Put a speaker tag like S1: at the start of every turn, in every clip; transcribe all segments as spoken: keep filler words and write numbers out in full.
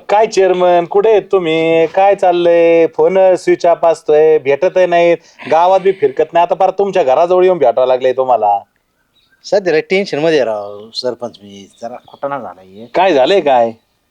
S1: काय चेअरमन कुठे आहेत तुम्ही? काय चाललंय? फोन स्विच ऑफ असतोय, भेटत नाहीत, गावात बी फिरकत नाही. आता पार तुमच्या घराजवळ येऊन भेटावं लागलंय तुम्हाला.
S2: सध्या टेन्शन मध्ये राव सरपंच, मी जरा खोटाणा झालाय.
S1: काय झालंय काय?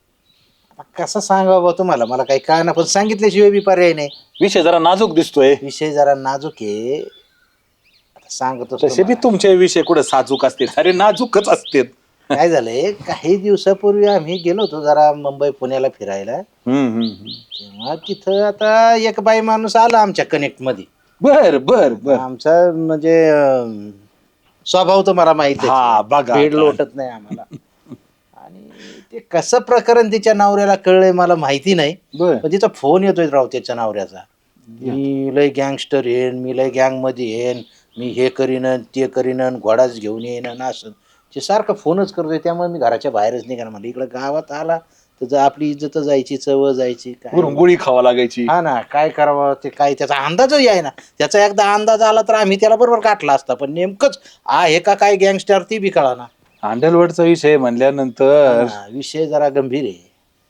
S2: कसं सांगा बा तुम्हाला, मला काही काय ना, पण सांगितल्याशिवाय बी पर्याय नाही.
S1: विषय जरा नाजूक दिसतोय.
S2: विषय जरा नाजूक आहे, आता सांगतोच
S1: तसे बी
S2: तुम्हाला.
S1: तुमचे विषय कुठे साजूक असते, अरे नाजूकच असते.
S2: काय झालंय, काही दिवसापूर्वी आम्ही गेलो होतो जरा मुंबई पुण्याला फिरायला.
S1: हम्म हम्म.
S2: तेव्हा तिथं आता एक बाई माणूस आला आमच्या कनेक्ट मध्ये.
S1: बर बर बर.
S2: आमचा म्हणजे अं, स्वभाव तर मला माहिती
S1: हा, बघा
S2: भेड
S1: आता.
S2: लोटत नाही आम्हाला. आणि ते कसं प्रकरण तिच्या नवऱ्याला कळलंय मला माहिती नाही,
S1: बर.
S2: पण तिचा फोन येतोय राव त्याच्या नवऱ्याचा. मी लय गँगस्टर येईन, मी लय गँग मध्ये येईन, मी हे करीन ते करीन, घोडाच घेऊन येईन असं. ते सारखं फोनच करतोय, त्यामुळे मी घराच्या बाहेरच निघाला. म्हणजे इकडे गावात आला तर आपली इज्जत जायची, चव जायची, काय
S1: गोळी खावा लागायची.
S2: हा ना, काय करावं ते, काय त्याचा अंदाजच आहे ना. त्याचा एकदा अंदाज आला तर आम्ही त्याला बरोबर काटला असता, पण नेमकंच आहे का काय गँगस्टर ती बी कळा ना.
S1: अंडरवर्ल्डचा विषय म्हणल्यानंतर
S2: विषय जरा गंभीर आहे.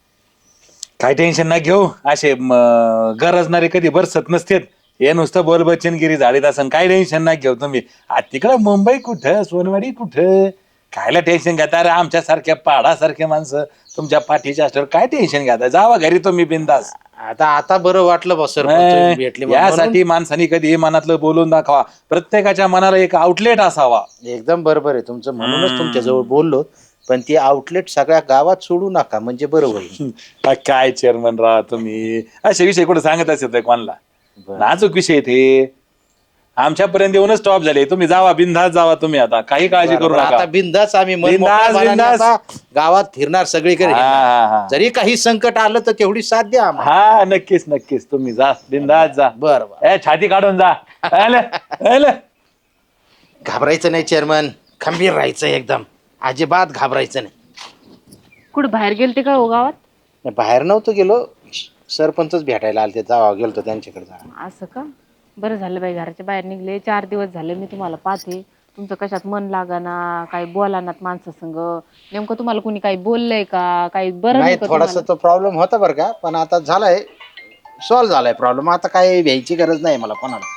S1: काय टेन्शन ना घेऊ, असे म, गरजणारे कधी बरसत नसतेत. हे नुसतं बोल बच्चनगिरी झाडीत असं, काय टेन्शन ना घेऊ तुम्ही. आ तिकडं मुंबई कुठं, सोनवाडी कुठं, कायला टेन्शन घेता रे? आमच्या सारख्या पाडासारखे माणसं तुमच्या पाठीच्या असल्यावर काय टेन्शन घ्या, जावा घरी तुम्ही बिंदास.
S2: आता आता बरं वाटलं बा सर, भेटले म्हणून.
S1: यासाठी माणसाने कधी मनातलं बोलून दाखवा. प्रत्येकाच्या मनाला एक आउटलेट असावा.
S2: एकदम बरोबर आहे तुमचं, म्हणूनच तुमच्या जवळ बोललो. पण ती आउटलेट सगळ्या गावात सोडू नका, म्हणजे बरं होईल.
S1: आ, काय चेअरमन राहा तुम्ही, असे विषय कुठे सांगत असेल कोणाला?
S2: बरं.
S1: नाजूक विषय ते आमच्यापर्यंत येऊनच स्टॉप झाले. तुम्ही जावा बिंदास जावा तुम्ही, आता काही काळजी करू
S2: बरं,
S1: नका.
S2: आता बिंदास आम्ही मन
S1: बिनधास्त,
S2: मोकळ्या मनाने
S1: बिनधास्त.
S2: आता गावात फिरणार, सगळीकडे
S1: हा,
S2: हिंडणार.
S1: हा, हा.
S2: जरी काही संकट आलं तर तेवढी साथ द्या आम्हाला.
S1: हा, नक्कीच नक्कीच तुम्ही जा बिंदास जा.
S2: बरं बरं.
S1: ए छाती काढून जा. आलं, आलं.
S2: घाबरायचं नाही चेअरमन, खंबीर राहायचं एकदम, अजिबात घाबरायचं नाही.
S3: कुठे बाहेर गेलते का हो गावात?
S2: नाही, बाहेर नव्हतो गेलो, सरपंचच भेटायला आलते, जावा गेलतो त्यांच्याकडे. जा
S3: असं का? बरं झालं बाई, घराच्या बाहेर निघले. चार दिवस झाले मी तुम्हाला पाहते, तुमचं कशात मन लागाना, काही बोलानात माणसासंग. नेमकं तुम्हाला कुणी काही बोललंय का? काही बरं
S2: नाही,
S3: का
S2: थोडासा
S3: तुम्हाला?
S2: तो प्रॉब्लेम होता बरं का, पण आता झालाय सॉल्व्ह झालाय प्रॉब्लेम. आता काही भ्यायची गरज नाही मला कोणाला.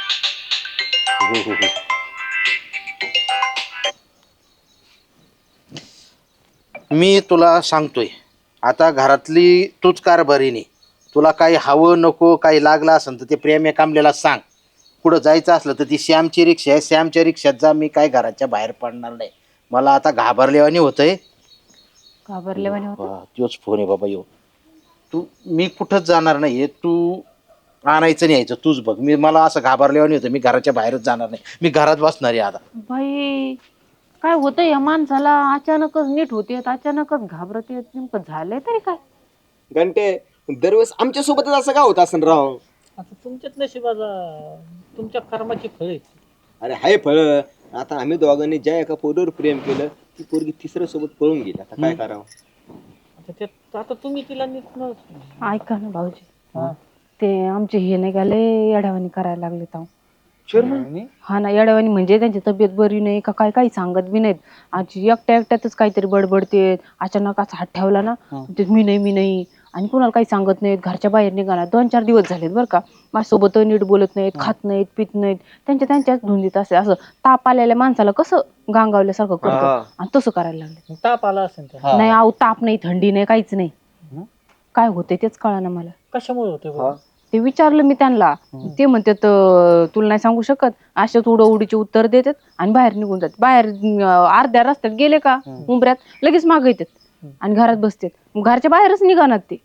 S2: मी तुला सांगतोय, आता घरातली तूच कारभारीने. तुला काही हवं नको, काही लागलं असेल तर ते प्रेम कामलेला सांग. पुढं जायचं असलं तर ती श्यामची रिक्षा आहे, श्यामच्या रिक्षात जा. मी काय घराच्या बाहेर पडणार नाही. मला आता घाबरल्यावानी होतंय.
S3: घाबरल्यावानी होतं?
S2: हा, तोच फोन आहे बाबा. येऊ तू, मी कुठंच जाणार नाहीये. तू आणायचं नाही यायचं तूच बघ. मी, मला असं घाबरल्यावानी होतं, मी घराच्या बाहेरच जाणार नाही. मी घरात बसणार आहे आता.
S3: बाई, काय होतं या माणसाला? अचानकच नीट होते, अचानकच घाबरते. नेमकं झालंय तरी काय?
S4: घंटे दरवेळेस आमच्या सोबतच असं का होत असं राव?
S5: आता तुमच्याच नशिबाला तुमच्या कर्माची फळ आहेत.
S4: अरे हाय फळ. आता आम्ही दोघांनी ज्या एका पोरीवर प्रेम केलं, ती पोरगी तिसऱ्या सोबत पळून गेली. आता काय करावं?
S5: आता त्यात आता तुम्ही तिला नीट न-
S3: ऐका ना भाऊजी,
S5: हा.
S3: ते आमचे हे नाही गेले येड्यावानी करायला लागले ताव. हा ना, येड्यावानी म्हणजे त्यांची तब्येत बरी नाही का काय, काही सांगत बी नाहीत. आजी एकट्या एकट्यातच काहीतरी बडबडते. अचानक असा हात ठेवला ना, ते मी नाही मी नाही, आणि कोणाला काही सांगत नाहीत. घरच्या बाहेर निघाला. दोन चार दिवस झालेत बरं का. माझ्यासोबत नीट बोलत नाहीत, खात नाहीत, पित नाहीत. त्यांच्या त्यांच्याच धुंदीत असे. असं ताप आलेल्या माणसाला कसं गांगावल्यासारखं करतं, आणि तसं करायला लागले.
S5: ताप आला असेल तर
S3: नाही आहो, ताप नाही, थंडी नाही, काहीच नाही. काय होते तेच कळा ना मला.
S5: कशामुळे होते बरं?
S3: ते विचारलं मी त्यांना, ते म्हणतात तुला नाही सांगू शकत. अशाच उडं उडीचे उत्तर देतात आणि बाहेर निघून जातात. बाहेर अं, अर्ध्या रस्त्यात गेले का उंबऱ्यात लगेच मागे येतात आणि घरात बसतात. मग घरच्या बाहेरच निघाणार ते.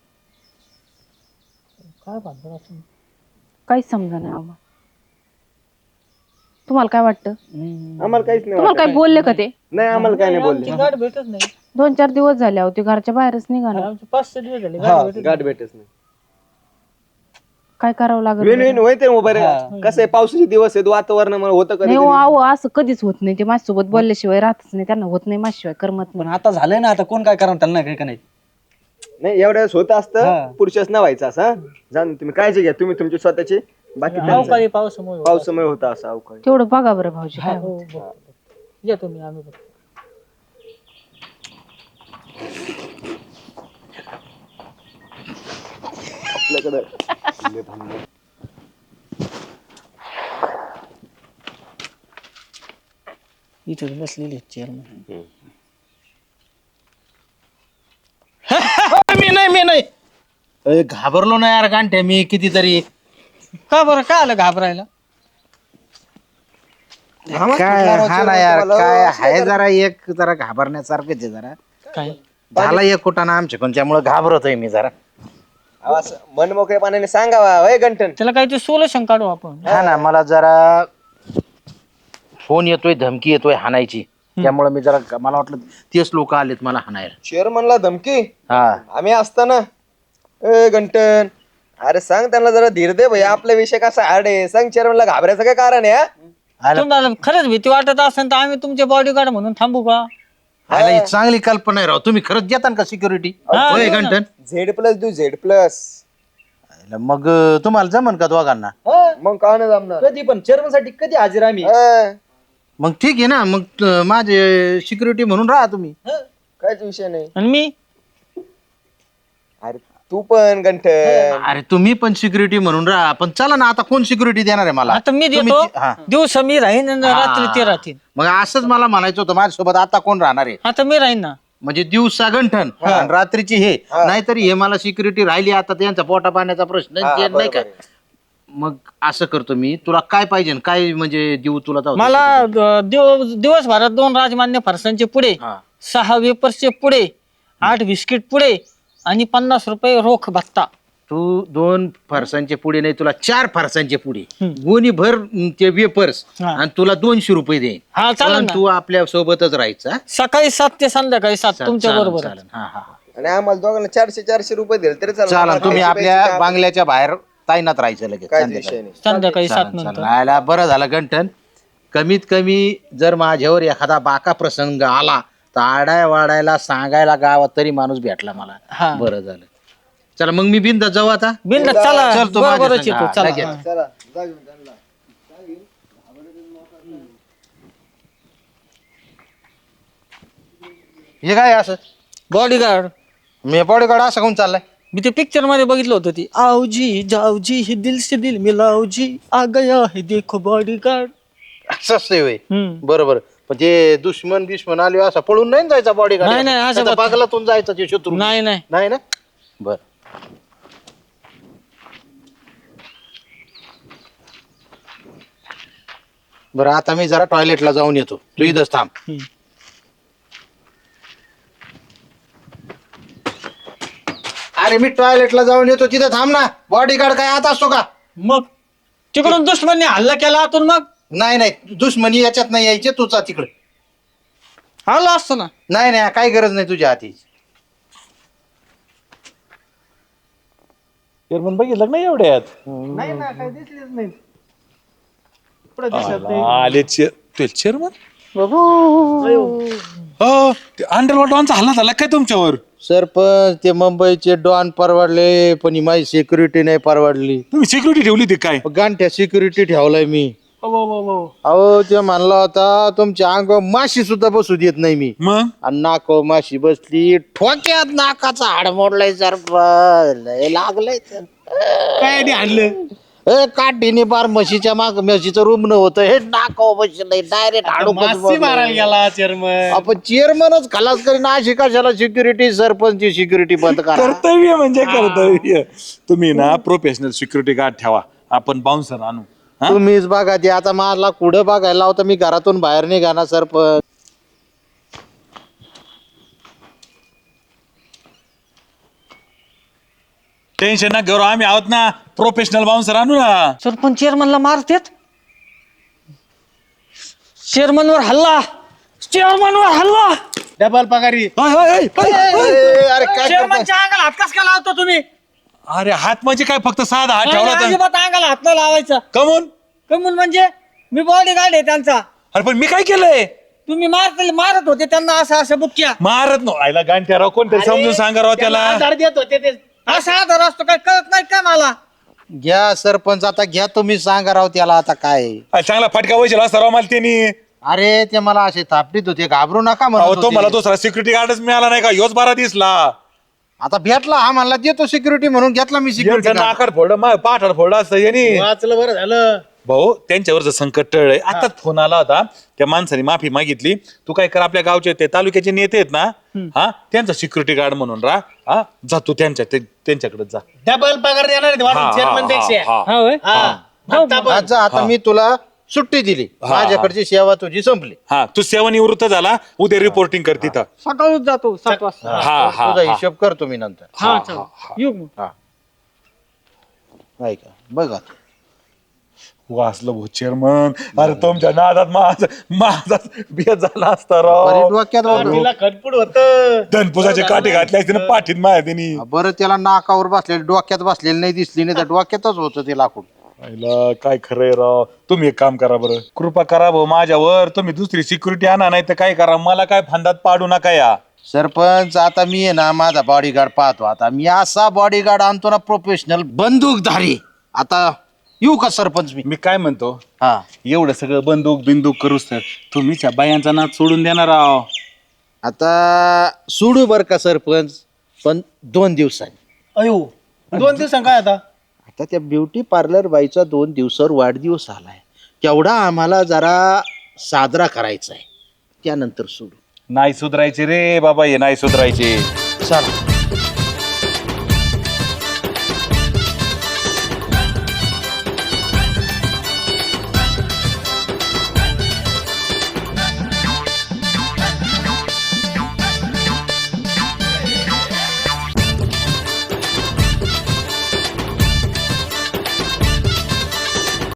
S5: काय भानगड असेल?
S3: काहीच समजा नाही आम्हाला. तुम्हाला काय वाटतं?
S4: आम्हाला काहीच नाही
S3: तुम्हाला
S4: वाटत.
S3: काय बोलले का ते?
S4: नाही, आम्हाला काय नाही
S5: आमची
S4: बोलले.
S5: गाठ भेटत नाही.
S3: दोन चार दिवस झाले अहो, ते घरच्या बाहेरच निघाणार.
S5: आमचे पाच सहा दिवस झाले
S4: हा,
S5: गाठ भेटत
S4: गाठ
S5: नाही.
S4: भेटच नाही.
S3: काय करावं लागेल
S4: वेन वेन
S3: बरं?
S4: होते मोबाईल. कसं आहे, पावसाचे दिवस आहेत, वातावरणामुळे होतं कधी
S3: नाही हो,
S4: कधी.
S3: अहो असं कधीच होत नाही. ते माझ्यासोबत बोलल्याशिवाय राहतच नाही. त्यांना होत नाही माझ्याशिवाय, करमत
S6: पण
S3: नाही.
S6: आता झालंय ना, आता कोण काय करणार त्यांना, काही का नाही.
S4: नाही, एवढ्या वेळेस होत असतं,
S6: हा.
S4: पुरुषच न व्हायचं असं. जाऊन तुम्ही काळजी घ्या, तुम्ही तुमची स्वतःची. बाकी त्यांचं.
S5: अवकाळी पावसामुळे होत
S4: पावसामुळे होता असं अवकाळी.
S3: तेवढं बघा बरं भाऊजी काय
S5: असेल.
S3: होतं.
S5: हो, बघ. या तुम्ही, आम्ही बघ.
S4: माझ्याकडे लय भांडण.
S5: इथे बसलेले चेअरमन.
S2: मी नाही मी नाही अरे घाबरलो ना यार गांठ्या मी कितीतरी.
S5: का बरं काय आलं घाबरायला?
S2: काय हा ना यार काय आहे जरा एक जरा घाबरण्यासारखंच आहे जरा.
S5: काय
S2: झाला एक कुटाणा आमच्याकडून त्यामुळे घाबरतोय मी जरा.
S4: अहो, असं मन मोकळ्या पाण्याने सांगावा वय गंठन.
S5: त्याला काय ते सोल्युशन काढू आपण.
S2: हा ना मला जरा फोन येतोय धमकी येतोय हाणायची त्यामुळे मी जरा मला वाटलं तेच लोक आलेत मला हाणायला.
S4: चेअरमनला धमकी
S2: हा
S4: आम्ही असताना ए गंटन अरे सांग त्यांना जरा धीर दे भैया आपला विषय कसा हार्ड आहे सांग चेअरमनला घाबरायचं काय कारण आहे हा?
S2: आला
S5: तुम्हाला खरंच भीती वाटत असेल तर आम्ही तुमचे बॉडीगार्ड म्हणून थांबू का?
S2: आला ही चांगली कल्पना आहे राव. तुम्ही खरंच देता का सिक्युरिटी
S5: हा,
S2: होय
S5: देऊ ना.
S2: घंटन?
S4: झेड प्लस देऊ झेड प्लस
S2: मग तुम्हाला जमन का दोघांना?
S4: मग का नाही जमणार
S6: कधी पण चेअरमन साठी कधी हजर आम्ही.
S4: हा,
S2: मग ठीक आहे ना मग त- माझे सिक्युरिटी म्हणून राहा तुम्ही.
S4: काहीच विषय नाही.
S5: आणि मी
S4: अरे तू पण गंठन
S2: अरे तुम्ही पण सिक्युरिटी म्हणून राहा पण चला ना आता कोण सिक्युरिटी देणार आहे मला?
S5: आता मी
S2: तुम्ही
S5: देतो
S2: ती- हा.
S5: दिवसा मी राहीन आणि रात्री ते राहतील.
S2: मग असंच मला म्हणायचं होतं माझ्यासोबत आता कोण राहणार आहे
S5: आता मी राहीन ना.
S2: म्हणजे दिवसा गंठन आणि रात्रीची हे नाहीतरी हे मला सिक्युरिटी राहिली आता त्यांचा पोटा पाण्याचा प्रश्न ते नाही का. मग असं करतो मी तुला काय पाहिजे काय म्हणजे देऊ तुला जाऊ दे.
S5: मला अ, दिव- दिवसभरात दोन राजमान्य फरसांचे पुढे,
S2: हा.
S5: सहा वेपर्सचे पुढे, आठ बिस्किट पुढे आणि पन्नास रुपये रोख भत्ता.
S2: तू दोन फरसांचे पुढे नाही तुला चार फरसांचे पुढे गोणी भर अं, ते वेपर्स
S5: हा.
S2: आणि तुला दोनशे रुपये देईन.
S5: हा चालेल
S2: पण
S5: ना.
S2: तू आपल्या सोबतच राहायचं हा?
S5: सकाळी सात ते संध्याकाळी सात तुमच्या
S2: चालेल,
S5: बरोबर.
S2: चालेल. हा, हा, हा.
S4: आणि आम्हाला दोघांना चारशे चारशे रुपये दिले तरी चालेल.
S2: चालेल
S4: आम्हाला
S2: तुम्ही
S4: पैसे
S2: आपल्या
S4: पैसे काय-
S2: बांगल्याच्या बाहेर ताईनात राहायचं लगेच
S4: काहीच
S2: संध्याकाळी.
S4: विषय नाही.
S5: संध्याकाळी सात
S2: चालेल,
S5: नंतर.
S2: चालेल. राहायला बरं झालं गंठन. कमीत कमी जर माझ्यावर एखादा बाका प्रसंग आला तर आडाय वाडायला सांगायला गावात तरी माणूस भेटला मला.
S5: हा.
S2: बरं झालं. चला मग मी बिंदा जाऊ आता.
S5: बिंदास चला
S2: चल तू माझ्या
S5: बरोबरच
S2: संग.
S5: येतो
S2: हा,
S5: चला.
S2: लगेच.
S5: हा.
S4: चला जा घेऊन त्यांना.
S2: हे काय असं
S5: बॉडीगार्ड.
S2: मी बॉडीगार्ड असं कोण चाललाय?
S5: मी ते पिक्चर मध्ये बघितलं होतं ती आओजी जाओजी ही दिल से दिल मिलाओजी आ गया है देखो बॉडीगार्ड.
S2: असं असतंय होय.
S5: हम्म.
S2: बरोबर पण ते दुश्मन बिश्मन आले असं पळून नाही ना जायचा बॉडीगार्ड.
S5: नाही, नाही, असं बात-
S2: बगलातून जायचं ते शत्रू.
S5: नाही नाही
S2: नाही ना. बर बरं आता मी जरा टॉयलेटला जाऊन येतो तू इथंच थांब.
S5: हम्म.
S2: अरे मी टॉयलेटला जाऊन येतो तिथं थांब ना. बॉडीगार्ड काय आता असतो का?
S5: मग तिकडून दुश्मनने हल्ला केला आतून मग
S2: नाही नाही दुश्मनी याच्यात नाही यायचे तुझा तिकडे.
S5: आलो असतो ना.
S2: नाही नाही काही गरज नाही तुझ्या हाती.
S1: चेअरमन बघितलं नाही एवढ्यात
S6: नाही ना काय दिसलेच नाही.
S1: आले चेअरमन हो अंडरवर्ल्डचा हल्ला झाला काय तुमच्यावर?
S2: सरपंच ते मुंबईचे डॉन परवडले पण ही माझी सिक्युरिटी नाही परवडली.
S1: तुम्ही सिक्युरिटी ठेवली होती काय?
S2: गांठ्या सिक्युरिटी ठेवलाय मी. अहो ते म्हणला होता तुमच्या अंग माशी सुद्धा बसू देत नाही मी.
S1: मग
S2: आणि नाको माशी बसली ठोक्यात नाकाचा हाड मोडलाय सरपंच लय लागलंय तर.
S1: काय आणलं?
S2: ए काठीने बार म्हशीच्या माग म्हशीचं रूम न होतं हे नाकाव बसलंय डायरेक्ट हाडू
S6: गेला चेअरमन.
S2: आपण चेअरमनच खलास करीन अशी कशाला सिक्युरिटी सरपंचची सिक्युरिटी बंद करा.
S1: कर्तव्य म्हणजे कर्तव्य. तुम्ही ना प्रोफेशनल सिक्युरिटी गार्ड ठेवा आपण बाउन्सर आणू. हा?
S2: तुम्हीच बघा ते आता मला कुठं बघायला लावता मी घरातून बाहेर निघा ना सरपंच.
S1: टेन्शन ना घेऊ आम्ही आहोत ना प्रोफेशनल बाउन्सर आणू ना.
S5: सरपंच चेअरमनला मारतेत. चेअरमनवर हल्ला चेअरमनवर हल्ला.
S6: डबल पगारी.
S1: होय, होय, होय, होय.
S2: ए, अरे काय करताय?
S5: चेअरमनच्या अंगाला हात कस काय लावतो तुम्ही?
S1: अरे हात म्हणजे काय फक्त साधा हात
S5: नाही,
S1: ठेवला तर
S5: अजिबात अंगाला हात नाही लावायचा.
S1: कमून?
S5: कमून म्हणजे मी बॉडीगार्ड आहे त्यांचा.
S1: अरे पण मी काय केलंय?
S5: तुम्ही मारत मारत होते त्यांना असं असं बुक्क्या.
S1: मारत नो आईला गांठ्या राव कोणतरी समजून सांगा राव त्याला.
S6: आधार देत होते ते.
S5: असा आधार असतो काय कळत नाही का मला?
S2: घ्या सरपंच आता घ्या तुम्ही सांगा राव त्याला आता काय.
S1: अरे चांगला फटका वैशेल असता राव मला त्यांनी.
S2: अरे ते मला असे थापडीत होते घाबरू नका म्हणत
S1: अहो तो
S2: होते.
S1: मला दुसरा सिक्युरिटी गार्डच मिळाला नाही का ह्योच बारा दिसला.
S2: आता भेटला हा म्हणला देतो सिक्युरिटी म्हणून घेतला मी सिक्युरिटी
S1: यांचं नाकाड फोड पाठाड फोड असतं यांनी
S6: वाचलं बरं झालं.
S1: भाऊ त्यांच्यावरचं संकट टळलंय आताच फोन आला होता त्या माणसाने माफी मागितली तू काय कर आपल्या गावचे ते तालुक्याचे नेते आहेत ना हा त्यांचा सिक्युरिटी गार्ड म्हणून राहा हा जा तू त्यांच्या ते- त्यांच्याकडे जा
S6: डबल पगार देणार आहेत
S1: हा,
S6: वाटून
S1: हा,
S6: चेअरमन
S1: हा,
S6: पेक्षा.
S1: हा.
S5: हा होय
S6: हा. आता पण.
S2: आज जा, आता मी तुला सुट्टी दिली माझ्याकडची सेवा तुझी संपली.
S1: हा तू सेवानिवृत्त झाला उद्या रिपोर्टिंग कर तिथं
S5: सकाळच जातो सात वाजता
S1: हा हा
S2: तुझा हिशोब करतो मी नंतर.
S5: हा चालेल येऊ मग.
S2: ऐका बघा
S1: वाचलं भाऊ चेअरमन अरे तुमच्या नादात माझा माझा बिया झाला असता
S2: बरी
S1: राव
S2: डोक्यात होतं.
S6: तिला खटपट होत
S1: धनपुजाचे काटे घातले असते ना पाठीत माया त्यांनी
S2: बरं त्याला नाकावर बसलेलं डोक्यात बसलेलं नाही दिसली नाही तर डोक्यातच होतं ते लाकूड.
S1: आईला काय खरंय राव तुम्ही एक काम करा बरं कृपा करा भाऊ माझ्यावर तुम्ही दुसरी सिक्युरिटी आणा नाही तर काय करा मला काय फंदात पाडू नका या
S2: सरपंच आता मी आहे ना माझा बॉडीगार्ड पाहतो आता मी असा बॉडीगार्ड आणतो ना प्रोफेशनल बंदूकधारी. आता येऊ का सरपंच मी?
S1: मी काय म्हणतो
S2: हा
S1: एवढं सगळं बंदूक बिंदूक करूच तर तुम्हीच्या बायांचा नाच सोडून देणार राव
S2: आता सोडू बर का सरपंच पण दोन दिवसांनी.
S6: अयो दोन दिवसां काय आता
S2: आता त्या ब्युटी पार्लर बाईचा दोन दिवसावर वाढदिवस आलाय तेवढा आम्हाला जरा साजरा करायचा आहे त्यानंतर सोडू.
S1: नाही सुधरायचे रे बाबा हे नाही सुधरायचे
S2: चला